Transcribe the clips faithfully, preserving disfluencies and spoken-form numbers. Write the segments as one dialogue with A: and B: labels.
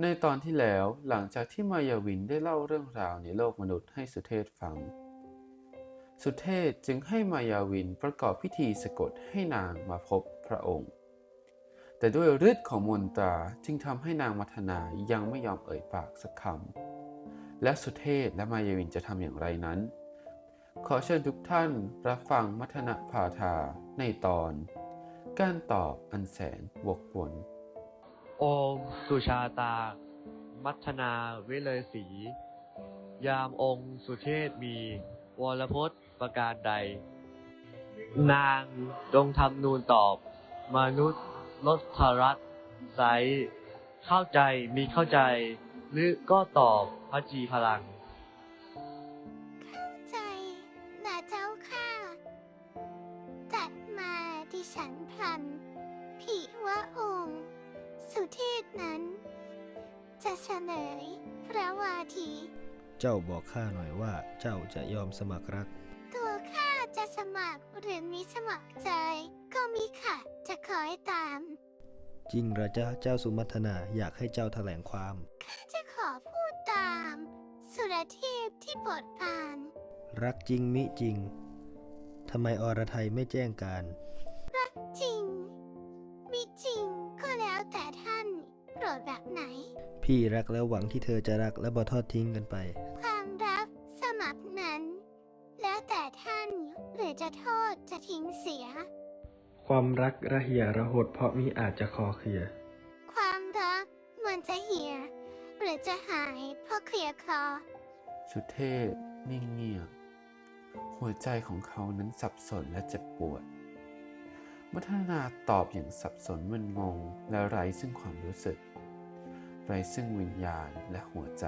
A: ในตอนที่แล้วหลังจากที่มายาวินได้เล่าเรื่องราวในโลกมนุษย์ให้สุเทพฟังสุเทพจึงให้มายาวินประกอบพิธีสะกดให้นางมาพบพระองค์แต่ด้วยฤทธิ์ของมนตราจึงทำให้นางมัทนายังไม่ยอมเอ่ยปากสักคำและสุเทพและมายาวินจะทำอย่างไรนั้นขอเชิญทุกท่านรับฟังมัทนาพาทาในตอนการตอบอันแสนวกวน
B: โอมสุชาตา มัทนาวิเลศรียามองค์สุเทพมีวรพจน์ประการใด นางจงทำนูนตอบ มนุษย์ลดทรัตไซเข้าใจมีเข้าใจ หรือก็ตอบพระจีพลัง
C: เข้าใจนะเจ้าค่ะจัดมาดิฉันพลันผิว่าองค์ สุเทพนั้น จะเฉลยพระวาที
D: เจ้าบอกข้าหน่อยว่าเจ้าจะยอมสมัครรัก
C: ตัวข้าจะสมัครหรือมิสมัครใจ ก็มิค่ะจะคอยตาม
D: จริงเหรอจ๊ะเจ้าสุมัทนาอยากให้เจ้าแถลงความ
C: ข้าจะขอพูดตาม สุรเทพที่โปรดปราน
D: รักจริงมิจริงทำไมอรไทยไม่แจ้งการ
C: จริงมิจริงก็แล้วแต่ท่านโปรดแบบไหน
D: พี่รักแล้วหวังที่เธอจะรักและบ่ทอดทิ้งกันไป
C: ความรักสมัครนั้น แล้วแต่ท่านหรือจะโทษจะทิ้งเสีย
E: ความรักระเหี่ยระหดเพราะมิอาจจะคอเคลีย
C: ความรักมันจะเหี่ยหรือจะหายเพราะเคลียร์คลอ
A: สุเทพนิ่งเงียบหัวใจของเขานั้นสับสนและเจ็บปวดมัทนาตอบอย่างสับสนมึนงงและไร้ซึ่งความรู้สึกไร้ซึ่งวิญญาณและหัวใจ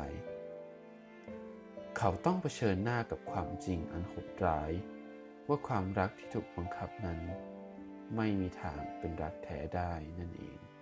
A: เขาต้องเผชิญหน้ากับความจริงอันโหดร้ายว่าความรักที่ถูกบังคับนั้นไม่มีทางเป็นรักแท้ได้นั่นเอง